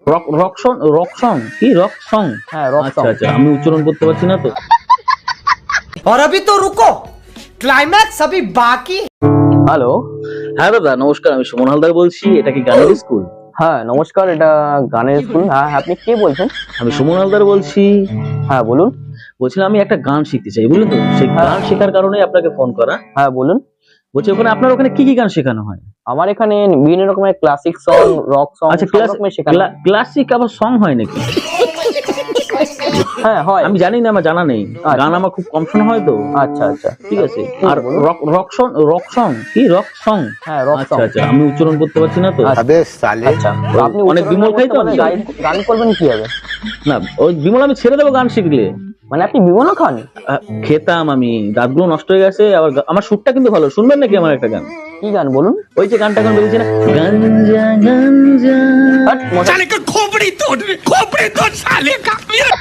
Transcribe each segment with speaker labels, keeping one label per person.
Speaker 1: Rock rock song, rock song কি rock song?
Speaker 2: হ্যাঁ rock
Speaker 1: আচ্ছা
Speaker 2: সং।
Speaker 1: আচ্ছা, আমি উচ্চারণ করতে পারছি না তো।
Speaker 3: और अभी तो रुको, क्लाइमैक्स अभी बाकी।
Speaker 1: হ্যালো, হ্যাঁ দাদা নমস্কার, আমি সুমন হালদার বলছি। এটা কি গানের স্কুল?
Speaker 2: হ্যাঁ নমস্কার, এটা গানের স্কুল। হ্যাঁ আপনি কে বলছেন?
Speaker 1: আমি সুমন হালদার বলছি।
Speaker 2: হ্যাঁ বলুন।
Speaker 1: বলছিলাম আমি একটা গান শিখতে চাই, বুঝলেন তো, সেই গান শেখার কারণে আপনাকে ফোন করা।
Speaker 2: হ্যাঁ বলুন।
Speaker 1: বলছি ওখানে আপনার ওখানে কি কি গান শেখানো হয়?
Speaker 2: আমার এখানে বিভিন্ন রকমের ক্লাসিক সং, রক সং,
Speaker 1: আচ্ছা,
Speaker 2: সব রকমের শেখানো হয়।
Speaker 1: ক্লাসিক আবার সং হয় নাকি?
Speaker 2: হ্যাঁ হয়।
Speaker 1: আমি জানি না, আমার জানা নেই। গান আমার খুব কম শোনা হয় তো।
Speaker 2: আচ্ছা আচ্ছা
Speaker 1: ঠিক আছে। আর রক সং, রক সং কি রক সং?
Speaker 2: হ্যাঁ রক
Speaker 1: আচ্ছা
Speaker 2: সং।
Speaker 1: আচ্ছা, আমি উচ্চারণ করতে পারছি না তো।
Speaker 2: আচ্ছা তো আপনি
Speaker 1: অনেক বিমল খাই তো আমি।
Speaker 2: গান করবেন কি হবে?
Speaker 1: না, ওই বিমল আমি ছেড়ে দেবো গান শিখলে।
Speaker 2: মানে আপনি বিমলও খান?
Speaker 1: খেতাম আমি, দাঁতগুলো নষ্ট হয়ে গেছে। আবার আমার সুরটা কিন্তু ভালো, শুনবেন নাকি আমার একটা গান?
Speaker 2: কি গান বলুন?
Speaker 1: ওই যে গানটা গান বেরিয়েছে না, গাঞ্জা গাঞ্জা।
Speaker 2: হট, মশা-
Speaker 3: साले का खोपड़ी तोड़ साले का।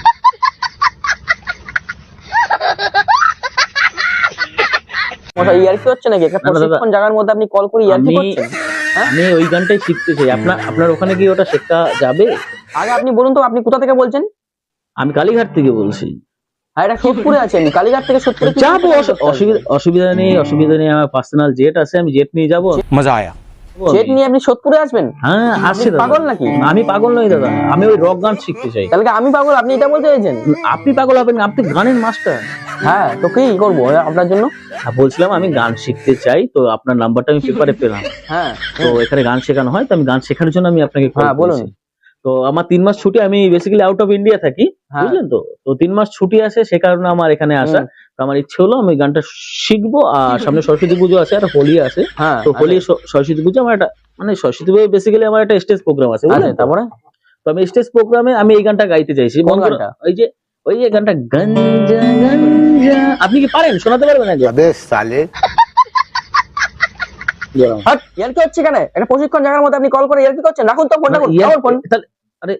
Speaker 2: মশা ইয়ার্কি হচ্ছে নাকি? একটা
Speaker 1: না, দাদা।
Speaker 2: প্রশিক্ষণ জায়গার মধ্যে আপনি কল করে ইয়ার্কি
Speaker 1: আমি
Speaker 2: করছেন?
Speaker 1: আমি ওই গানটাই শিখতে চাই। আপনার ওখানে কি ওটা শেখা যাবে?
Speaker 2: আগে আপনি বলুন তো, আপনি কোথা থেকে বলছেন?
Speaker 1: আমি কালীঘাট থেকে বলছি।
Speaker 2: হ্যাঁ এটা সোদপুরে আছে, আমি কালীঘাট থেকে সোদপুরে কি
Speaker 1: যাবো,
Speaker 2: করতে হবে?
Speaker 1: অসুবিধা নেই। আমার পার্সোনাল জেট আছে, আমি জেট নিয়ে যাবো।
Speaker 3: मजा आया।
Speaker 2: জেট নিয়ে আপনি সোদপুরে আসবেন?
Speaker 1: হ্যাঁ আসছে
Speaker 2: আপনি
Speaker 1: দাদা।
Speaker 2: পাগল নাকি?
Speaker 1: আমি পাগল নই দাদা, আমি ওই রক গান শিখতে চাই।
Speaker 2: তাহলে কি আমি পাগল, আপনি এটা বলতে চাইছেন?
Speaker 1: আপনি পাগল হবেন না, আপনি গানের মাস্টার।
Speaker 2: হ্যাঁ তো কি করবো আপনার জন্য?
Speaker 1: বলছিলাম আমি গান শিখতে চাই, তো আপনার নাম্বারটা আমি পেপারে পেলাম।
Speaker 2: হ্যাঁ
Speaker 1: তো এখানে গান শেখানো হয়, তো আমি গান শেখার জন্য আমি আপনাকে কল
Speaker 2: হ্যাঁ, বলুন।
Speaker 1: করেছি। তো আমার 3 মাস ছুটি, আমি বেসিক্যালি আউট অফ ইন্ডিয়া থাকি,
Speaker 2: হ্যাঁ।
Speaker 1: বুঝলেন তো। তো 3 মাস ছুটি আছে, সে কারণে আমার এখানে আসা। তো আমার ইচ্ছে হলো আমি গানটা শিখবো। আর সামনে সরস্বতী পুজো আছে, আর হোলি আছে।
Speaker 2: হ্যাঁ
Speaker 1: তো হোলি সরস্বতী পুজো আমার একটা, মানে সরস্বতী পুজো বেসিক্যালি আমার একটা স্টেজ প্রোগ্রাম আছে, বুঝলেন তো?
Speaker 2: তারপরে
Speaker 1: তো আমি স্টেজ প্রোগ্রামে আমি এই গানটা গাইতে চাইছি।
Speaker 2: কোন গানটা?
Speaker 1: ওই যে গানটা গাঞ্জা গাঞ্জা। আপনি কি পারেন, শোনাতে পারবেন একবার?
Speaker 4: अबे साले
Speaker 2: হট, ইয়ার্কি হচ্ছে কেন? একটা প্রশিক্ষণ জায়গার মধ্যে আপনি কল করে ইয়ার্কি করছেন? রাখুন তো ফোনটা, রাখুন ফোন।
Speaker 1: তাহলে আরে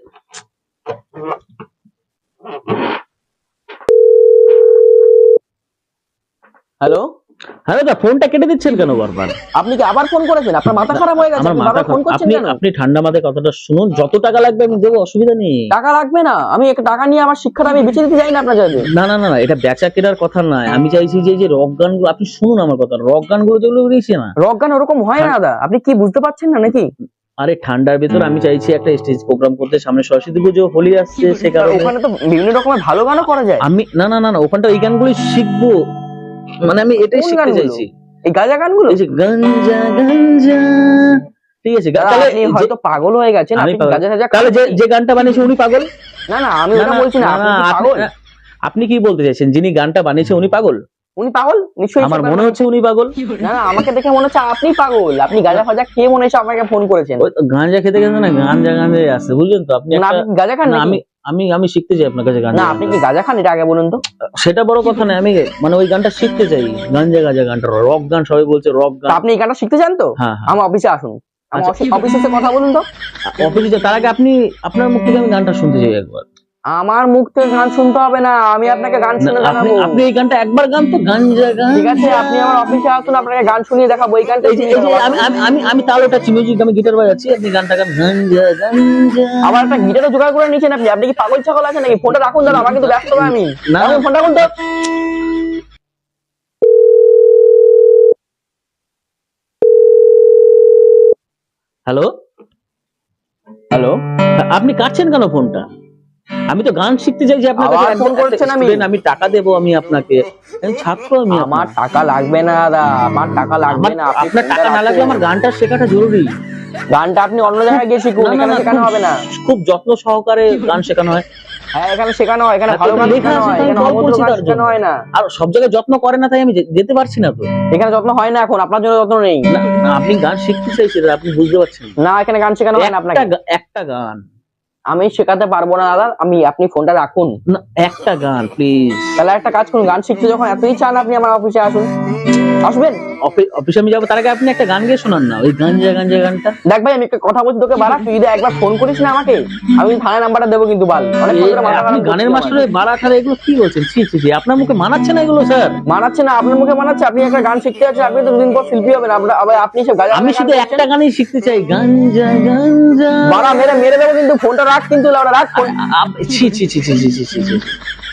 Speaker 2: হ্যালো,
Speaker 1: হ্যাঁ দাদা, ফোনটা কেটে দিচ্ছেন কেন বারবার?
Speaker 2: আপনি কি আবার ফোন করেছেন? আপনার মাথা খারাপ হয়ে গেছে?
Speaker 1: আমার
Speaker 2: আপনি
Speaker 1: মাথা
Speaker 2: বারবার ফোন করছেন
Speaker 1: আপনি
Speaker 2: কেন?
Speaker 1: আপনি ঠান্ডা মাথায় কথাটা শুনুন। যত টাকা লাগবে আমি দেবো, অসুবিধা নেই।
Speaker 2: টাকা লাগবে না, আমি একটা টাকা নিয়ে আমার শিক্ষাটা আমি বেঁচে দিতে চাই না আপনার কাছে।
Speaker 1: না না না না, এটা বেচা কেনার কথা নয়। আমি চাইছি যে এই যে রক গানগুলো, আপনি শুনুন আমার কথা, রক গানগুলো যেগুলো বেরিয়েছে না,
Speaker 2: রক গান ওরকম হয় না দাদা, আপনি কি বুঝতে পারছেন না নাকি?
Speaker 1: আরে ঠান্ডার ভেতর আমি চাইছি একটা স্টেজ প্রোগ্রাম করতে। সামনে সরস্বতী পুজো, হোলি আসছে, সে কারণে
Speaker 2: ওখানে তো বিভিন্ন রকমের ভালো গানও করা যায়।
Speaker 1: আমি না না না না, ওখানটা এই গানগুলো শিখবো। মানে আমি এটাই
Speaker 2: কোন
Speaker 1: শিখতে
Speaker 2: গানগুলো?
Speaker 1: চাইছি।
Speaker 2: এই গাঁজা গানগুলো?
Speaker 1: এই যে গাঞ্জা গাঞ্জা, ঠিক আছে।
Speaker 2: দাদা,
Speaker 1: তাহলে
Speaker 2: আপনি হয়তো পাগল হয়ে গেছেন,
Speaker 1: আমি
Speaker 2: আপনি
Speaker 1: পাগল।
Speaker 2: গাঁজা টাজা
Speaker 1: তাহলে
Speaker 2: খান।
Speaker 1: যে গানটা বানিয়েছে উনি পাগল?
Speaker 2: না না, আমি
Speaker 1: না,
Speaker 2: ওটা
Speaker 1: না,
Speaker 2: বলছি না,
Speaker 1: না,
Speaker 2: আপনি কি
Speaker 1: আপনি-
Speaker 2: পাগল?
Speaker 1: আপনি কি বলতে চাইছেন, যিনি গানটা বানিয়েছে উনি পাগল?
Speaker 2: উনি পাগল নিশ্চয়ই।
Speaker 1: আমার মনে হচ্ছে উনি পাগল।
Speaker 2: না না, আমাকে দেখে মনে হচ্ছে আপনি পাগল। আপনি গাঁজা ফাজা খেয়ে মনে হচ্ছে আপনাকে ফোন করেছেন।
Speaker 1: ওই তো গাঁজা খেতে খেতে না গাঞ্জা গাঞ্জা আসছে, বুঝলেন তো। আপনি
Speaker 2: না
Speaker 1: একটা-
Speaker 2: আপনি কি গাঁজা খান
Speaker 1: না,
Speaker 2: নাকি?
Speaker 1: আমি আমি আমি শিখতে চাই আপনার কাছে গান।
Speaker 2: না আপনি কি গাঁজা খান, এটা আগে বলুন তো।
Speaker 1: সেটা বড় কথা না, আমি মানে ওই গানটা শিখতে চাই। গাঞ্জা গাঁজা গানটা রক গান, সবাই বলছে রক
Speaker 2: তা
Speaker 1: গান।
Speaker 2: আপনি এই গানটা শিখতে চান তো?
Speaker 1: হ্যাঁ, হ্যাঁ।
Speaker 2: আমার অফিসে আসুন, আমার
Speaker 1: আচ্ছা।
Speaker 2: অফিসে এসে কথা বলুন তো।
Speaker 1: অফিসে তার আগে আপনি আপনার মুখ থেকে আমি গানটা শুনতে চাই একবার।
Speaker 2: আমার মুখ থেকে গান শুনতে হবে না, আমি আপনাকে গান শুনে
Speaker 1: না,
Speaker 2: দেখাবো।
Speaker 1: আপনি এই গানটা একবার গান তো, গাঞ্জা গান।
Speaker 2: ঠিক আছে, আপনি আমার অফিসে আসুন, আপনাকে গান শুনিয়ে দেখাবো। এই গানটা
Speaker 1: এই যে আমি তাল ওঠাচ্ছি, মিউজিক, আমি গিটার বাজাচ্ছি, আপনি গানটা গান গাঞ্জা গাঞ্জা।
Speaker 2: আবার একটা গিটারও জোগাড় করে নিয়েছেন আপনি। আপনি কি পাগল ছাগল আছেন নাকি? ফোনটা রাখুন দাদা, আমাকে তো ব্যস্ত আমি।
Speaker 1: না।
Speaker 2: রাখুন ফোনটা, রাখুন তো।
Speaker 1: হ্যালো
Speaker 2: হ্যালো,
Speaker 1: আপনি কাটছেন কেন ফোনটা? আমি তো গান শিখতে চাই যে আপনার
Speaker 2: আবার
Speaker 1: কাছে
Speaker 2: ফোন করছেন আমি?
Speaker 1: আমি টাকা দেবো আমি আপনাকে, আমি ছাত্র আমি
Speaker 2: আমার
Speaker 1: আপনার।
Speaker 2: টাকা লাগবে না দাদা, আমার টাকা লাগবে না। আপনি
Speaker 1: আপনার
Speaker 2: ফোনটা
Speaker 1: টাকা না লাগলে
Speaker 2: রাখুন।
Speaker 1: আমার গানটা শেখাটা জরুরি।
Speaker 2: গানটা আপনি অন্য জায়গায় গিয়ে শিখুন,
Speaker 1: না, না,
Speaker 2: এখানে
Speaker 1: না,
Speaker 2: শেখানো হবে না।
Speaker 1: খুব যত্ন সহকারে গান শেখানো হয়।
Speaker 2: হ্যাঁ এখানে শেখানো হয়, এখানে
Speaker 1: এত
Speaker 2: ভালো গান
Speaker 1: লেখা
Speaker 2: শেখানো
Speaker 1: আছে,
Speaker 2: হয়,
Speaker 1: তাই
Speaker 2: এখানে
Speaker 1: জল
Speaker 2: অভদ্র
Speaker 1: পড়ছে
Speaker 2: গান
Speaker 1: তার
Speaker 2: শেখানো
Speaker 1: জন্য।
Speaker 2: হয় না।
Speaker 1: আর সব জায়গায় যত্ন করে না, তাই আমি যেতে পারছি না তো।
Speaker 2: এখানে যত্ন হয় না, এখন আপনার জন্য যত্ন নেই।
Speaker 1: না, না, আপনি গান শিখতে চাইছেন, আপনি বুঝতে পারছেন না।
Speaker 2: না এখানে গান শেখানো হয় না আপনাকে।
Speaker 1: একটা গান,
Speaker 2: আমি শেখাতে পারবো না দাদা, আপনি ফোনটা রাখুন।
Speaker 1: না একটা গান প্লিজ।
Speaker 2: তাহলে একটা কাজ করুন, গান শিখতে যখন এতই চান আপনি আমার অফিসে আসুন। আসবেন?
Speaker 1: অফিসে আমি যাবো, তার আগে আপনি একটা গান গিয়ে শোনান না, ওই গাঞ্জা গাঞ্জা গানটা।
Speaker 2: দেখ ভাই আমি একটা কথা বলছি তোকে, বাড়া তুই যদি একবার ফোন করিস না আমাকে, আমি থানায় নাম্বারটা দেবো কিন্তু বাল। অনেক
Speaker 1: আপনি গানের মাস্টার বাড়া ঠাড়া এগুলো কি বলছেন? ছি ছি ছি, আপনার মুখে মানাচ্ছে না এগুলো স্যার।
Speaker 2: মানাচ্ছে না, আপনার মুখে মানাচ্ছে। আপনি একটা গান শিখতে আছেন, আপনি তো দুদিন পর শিল্পী হবেন। আপনি সব গান,
Speaker 1: আমি শুধু একটা গানই শিখতে চাই, গাঞ্জা গাঞ্জা।
Speaker 2: বাড়া মেরে মেরে দেবো কিন্তু, ফোনটা রাখ কিন্তু, লাউডা রাখ ফোন।
Speaker 1: ছি ছি ছি ছি ছি ছি ছি ছি।